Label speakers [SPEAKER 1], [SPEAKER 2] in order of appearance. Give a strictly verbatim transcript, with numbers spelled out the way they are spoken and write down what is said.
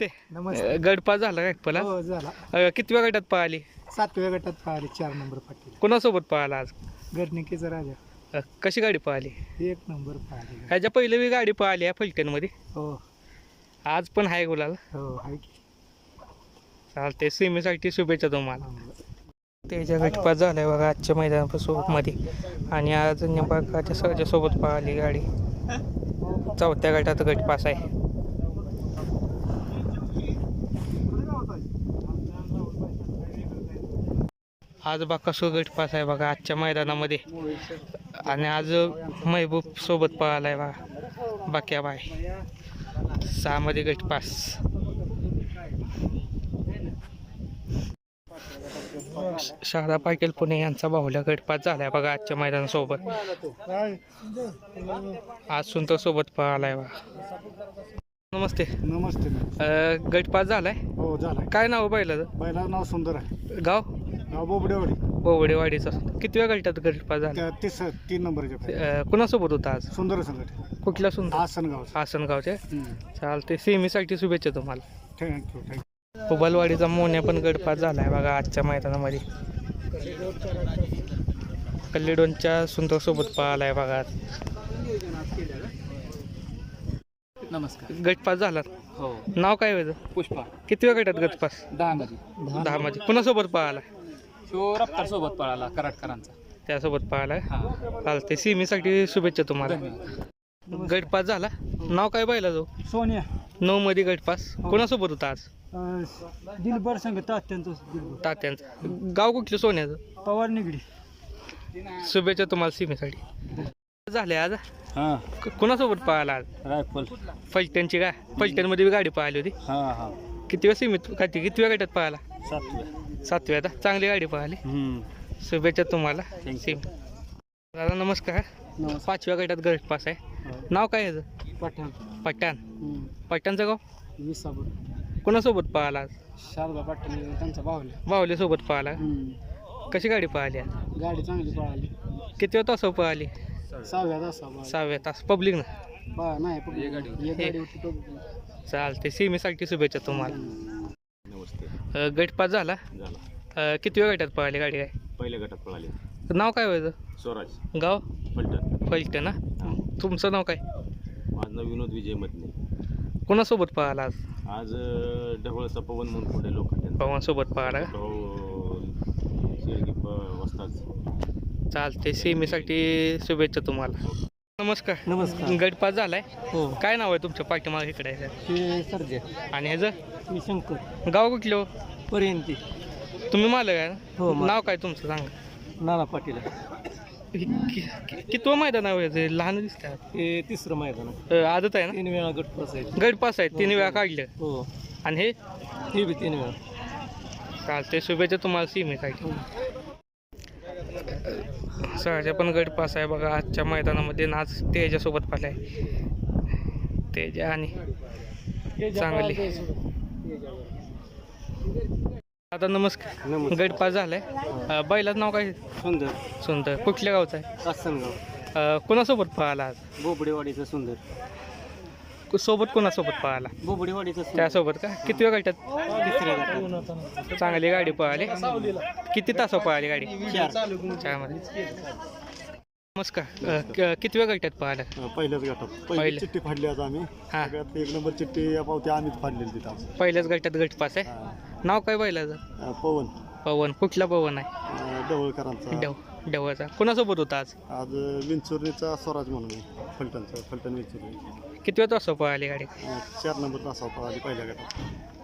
[SPEAKER 1] नमस्ते.
[SPEAKER 2] नमस्ते.
[SPEAKER 1] गटपास झाला काय पला?
[SPEAKER 2] हो झाला.
[SPEAKER 1] अ, कितव्या गटात पळाली?
[SPEAKER 2] सातव्या गटात पळाली चार नंबर पाटील.
[SPEAKER 1] कोणासोबत पळाला आज?
[SPEAKER 2] गडनिकेचा राजा.
[SPEAKER 1] अ, कशी गाडी पळाली?
[SPEAKER 2] एक नंबर पळाली.
[SPEAKER 1] ह्याच्या पहिले बी गाडी पळाली आहे फलटणमध्ये.
[SPEAKER 2] हो
[SPEAKER 1] आज पण आहे गुलाल.
[SPEAKER 2] हो आहे की.
[SPEAKER 1] चालते. सेमीसाठी शुभेच्छा तुम्हाला.
[SPEAKER 2] हो.
[SPEAKER 1] त्याच्या गटपास झालाय बघा आजच्या मैदानापासून मध्ये. आणि आज निंबाळकरच्या सहजा सोबत पळाली गाडी. चौथ्या गटात गटपास आहे. आज बाकासूर गटपास आहे बघा आजच्या मैदानामध्ये. आणि आज महबूब सोबत पळालाय बघा बाक्या बाय. सहामध्ये गटपास. शारदा पाटील पुणे यांचा बाहुल्या गटपास झालाय बघा आजच्या मैदानासोबत. आज सुंदर सोबत पळालाय बघा. नमस्ते.
[SPEAKER 2] नमस्ते.
[SPEAKER 1] अ, गटपास झालाय.
[SPEAKER 2] हो झाला.
[SPEAKER 1] काय नाव बैलाचं?
[SPEAKER 2] बैला नाव सुंदर आहे.
[SPEAKER 1] गाव?
[SPEAKER 2] गाव बोबडेवाडी.
[SPEAKER 1] बोवडेवाडीचा. कितव्या गटात गटपास झाला?
[SPEAKER 2] त्या तीस तीन नंबरच्या.
[SPEAKER 1] अ, कुणासोबत होता आज?
[SPEAKER 2] सुंदर संघट.
[SPEAKER 1] कुठल्या सुंदर?
[SPEAKER 2] आसनगाव.
[SPEAKER 1] आसनगावचे. चालते. सेमीसाठी शुभेच्छा तुम्हाला.
[SPEAKER 2] Thank you thank you.
[SPEAKER 1] उबलवाडीचा मोन्या पण गटपास झालाय बघा आजच्या मैदानामध्ये. कल्लेडोनच्या सुंदर सोबत पळालाय बघा आज.
[SPEAKER 2] नमस्कार.
[SPEAKER 1] गटपास झाला.
[SPEAKER 2] हो.
[SPEAKER 1] नाव काय व्हायचं?
[SPEAKER 2] पुष्पा.
[SPEAKER 1] कितव्या गटात गटपास?
[SPEAKER 2] दहा मध्ये.
[SPEAKER 1] दहा मध्ये. कुणासोबत पळाला?
[SPEAKER 2] तो रफ्तार सोबत पळाला कराडकरांचा.
[SPEAKER 1] त्यासोबत पळालाय.
[SPEAKER 2] हा.
[SPEAKER 1] चालते. सेमीसाठी शुभेच्छा तुम्हाला. गटपास झाला. नाव काय पाहिला जो?
[SPEAKER 2] सोनिया.
[SPEAKER 1] नऊ मध्ये गटपास. कोणासोबत होता आज?
[SPEAKER 2] दिलबर संघ तात्यांचं.
[SPEAKER 1] तात्यांचं. गाव कुठलं सोन्याचं?
[SPEAKER 2] पवार निगडी.
[SPEAKER 1] शुभेच्छा तुम्हाला सेमीसाठी. झाले आज.
[SPEAKER 2] हां.
[SPEAKER 1] क- कोणासोबत पळाला आज?
[SPEAKER 2] रायफल.
[SPEAKER 1] फलटणची का? फलटणमध्ये बी गाडी पळाली होती.
[SPEAKER 2] हां हां.
[SPEAKER 1] कितव्या सीमित काय ती कितव्या गटात पळाला?
[SPEAKER 2] सातव्या.
[SPEAKER 1] सातव्या. आता चांगली गाडी पळाली. शुभेच्छा तुम्हाला. सेम. दादा नमस्कार. पाचव्या गटात गटपास आहे. नाव काय याचं?
[SPEAKER 2] पठाण.
[SPEAKER 1] पठाण. पठाणचं गाव?
[SPEAKER 2] विसापूर.
[SPEAKER 1] कोणासोबत पळाला आज?
[SPEAKER 2] शारदा पाटील त्यांचा बाहुल्या.
[SPEAKER 1] बाहुल्यासोबत पळाला. कशी गाडी पळाली आज?
[SPEAKER 2] गाडी चांगली पळाली.
[SPEAKER 1] कितव्या तासावर पळाली?
[SPEAKER 2] सहाव्या तासा.
[SPEAKER 1] सहाव्या तास. पब्लिक ना?
[SPEAKER 2] नाही एक गाडी होती.
[SPEAKER 1] चालते. सेमीसाठी शुभेच्छा तुम्हाला.
[SPEAKER 3] नमस्ते.
[SPEAKER 1] अ, गटपास झाला.
[SPEAKER 3] झाला.
[SPEAKER 1] अ, कितव्या गटात पळाली गाडी काय?
[SPEAKER 3] पहिल्या गटात पळाले.
[SPEAKER 1] नाव काय व्हायचं?
[SPEAKER 3] स्वराज.
[SPEAKER 1] गाव?
[SPEAKER 3] फलटण.
[SPEAKER 1] फलटण ना? तुमचं नाव काय?
[SPEAKER 3] माझं नाव विनोद विजय मदने.
[SPEAKER 1] कोणासोबत पळाला आज?
[SPEAKER 3] आज अं, ढवळचा पवन म्हणून पुढे लोक
[SPEAKER 1] पवनसोबत पळाला का?
[SPEAKER 3] शेळगी वस्ताद.
[SPEAKER 1] चालते. सेमीसाठी शुभेच्छा तुम्हाला. नमस्कार.
[SPEAKER 2] नमस्कार.
[SPEAKER 1] गटपास झालाय.
[SPEAKER 2] हो.
[SPEAKER 1] काय नाव आहे तुमच्या पाठीमागे इकडे आहे?
[SPEAKER 2] हे सर्जे.
[SPEAKER 1] आणि ह्याचं
[SPEAKER 2] मी शंकर.
[SPEAKER 1] गाव कुठलं?
[SPEAKER 2] पर्यंती.
[SPEAKER 1] तुम्ही मालक आहे ना?
[SPEAKER 2] हो, मालक.
[SPEAKER 1] नाव काय तुमचं सांगा.
[SPEAKER 2] नाना पाटील.
[SPEAKER 1] कि- कि- कितवं मैदान आहे हे? लहान दिसतात.
[SPEAKER 2] हे तिसरं मैदान आहे.
[SPEAKER 1] अ, आदत आहे ना?
[SPEAKER 2] तीन वेळा गटपास आहे.
[SPEAKER 1] गटपास आहे. तीन वेळा काढलं.
[SPEAKER 2] हो.
[SPEAKER 1] आणि हे
[SPEAKER 2] हे बी तीन वेळा.
[SPEAKER 1] चालते. शुभेच्छा तुम्हाला सेमीसाठी. सहजा पण गटपास आहे बघा आजच्या मैदानामध्ये. नाच तेजासोबत पाहिलाय. तेजा आणि चांगली. आता नमस्कार.
[SPEAKER 2] नमस्कार.
[SPEAKER 1] गटपास झालाय. अ, बैलाचं नाव काय?
[SPEAKER 2] सुंदर.
[SPEAKER 1] सुंदर. कुठल्या गावचं आहे?
[SPEAKER 2] आसनगाव.
[SPEAKER 1] अ, कोणासोबत पळाला आज?
[SPEAKER 2] बोबडेवाडीचा सुंदर.
[SPEAKER 1] कु- सोबत कोणासोबत पळाला?
[SPEAKER 2] बोबडेवाडीचा सुंदर.
[SPEAKER 1] त्यासोबत का? किती वेळ गटात?
[SPEAKER 2] तिसऱ्या गटात.
[SPEAKER 1] चांगली गाडी पळाली. किती तास पळाली गाडी?
[SPEAKER 2] चार.
[SPEAKER 1] चारमध्ये. नमस्कार. अ, क- किती वेळ गटात पळाला?
[SPEAKER 4] पहिल्याच गटात
[SPEAKER 1] पहिल्या.
[SPEAKER 4] पहिली चिठ्ठी फाडली आज आम्ही.
[SPEAKER 1] हा.
[SPEAKER 4] सगळ्यात एक नंबर चिठ्ठी पावती आम्हीच फाडलेली तिथं आज.
[SPEAKER 1] पहिल्याच गटात गटपास आहे.
[SPEAKER 4] हा.
[SPEAKER 1] नाव काय बैलाचं?
[SPEAKER 4] अं, पवन
[SPEAKER 1] पवन. कुठला पवन आहे?
[SPEAKER 4] अं, ढवळकरांचा.
[SPEAKER 1] डव डवळचा. कोणासोबत होता आज?
[SPEAKER 4] आज विंचुर्णीचा स्वराज म्हणून आहे. फलटणचा फलटण विंचुर्णी.
[SPEAKER 1] किती वेळ तास पळाली गाडी?
[SPEAKER 4] अं, चार नंबर तासावर आली पहिल्या गटात.